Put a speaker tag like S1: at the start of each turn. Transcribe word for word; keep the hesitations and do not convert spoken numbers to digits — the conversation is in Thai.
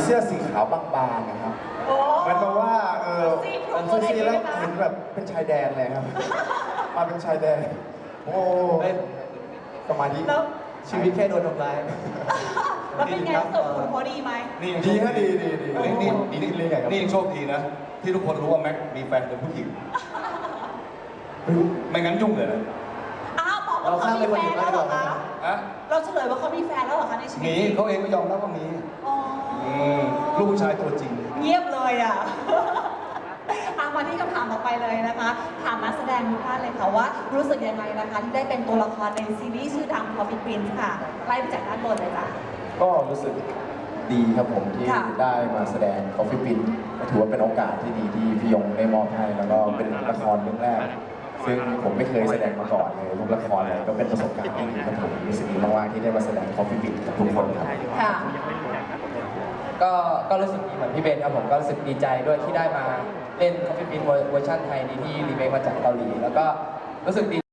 S1: สื้อสีขาวบางๆนะครับเหมือนกับว่าเออผมเสื้อสีแล้วเห็นแบบเป็นชายแดนเลยครับมาเป็นชายแดนโอ้สมาธิชีวิตแค่โดนทำร้าย
S2: แล้วเป็นไงสมคุณพอดีไหม
S3: นี่
S1: ดีฮะดีดีดี
S3: นี่นี่นี่
S1: เลยไงครับ
S3: นี่ยังโชคดีนะ ที่ทุกคนรู้ว่าแม็กมีแฟนเป็นผู้หญิง ไม่งั้นยุ่งเลยนะ
S2: อ้าวบอกว่าเขามีแฟนแล้วเหรอคะ
S3: ฮะ
S2: เราเฉลยว่าเขามีแฟนแล้วเหรอคะในชีวิต
S3: มีเขาเองก็ยอมรับว่ามี
S2: อ๋อ
S3: มลูกผู้ชายตัวจริง
S2: เงียบเลยอ่ะ อามาที่คำถามต่อไปเลยนะคะ ถามนักแสดงทุกท่านเลยค่ะว่ารู้สึกยังไงนะคะที่ได้เป็นตัวละครในซีรีส์ชื่อดัง Coffee Prince ค่ะไล่ไปจากด้านบนเลยจ้ะ
S1: ก็รู้สึกดีครับผมที่
S2: ค่ะ
S1: ได้มาแสดง Coffee Prince ก็ถือว่าเป็นโอกาสที่ดีที่พี่ยงได้มอบให้แล้วก็เป็นละครเรื่องแรก ซึ่งผมไม่เคยแสดงมาก่อนเลยทุกละครเลยก็เป็นประสบการณ์ที่ดีครับผมรู้สึกดีมากๆที่ได้มาแสดง Coffee Prince กับทุกคนครับ
S2: ค่ะ
S4: ก็ก็รู้สึกดีเหมือนพี่เบนครับผมก็รู้สึกดีใจด้วยที่ได้มาเล่น Coffee Prince เวอร์ชันไทยนี้ที่รีเมคมาจากเกาหลีแล้วก็รู้สึกดี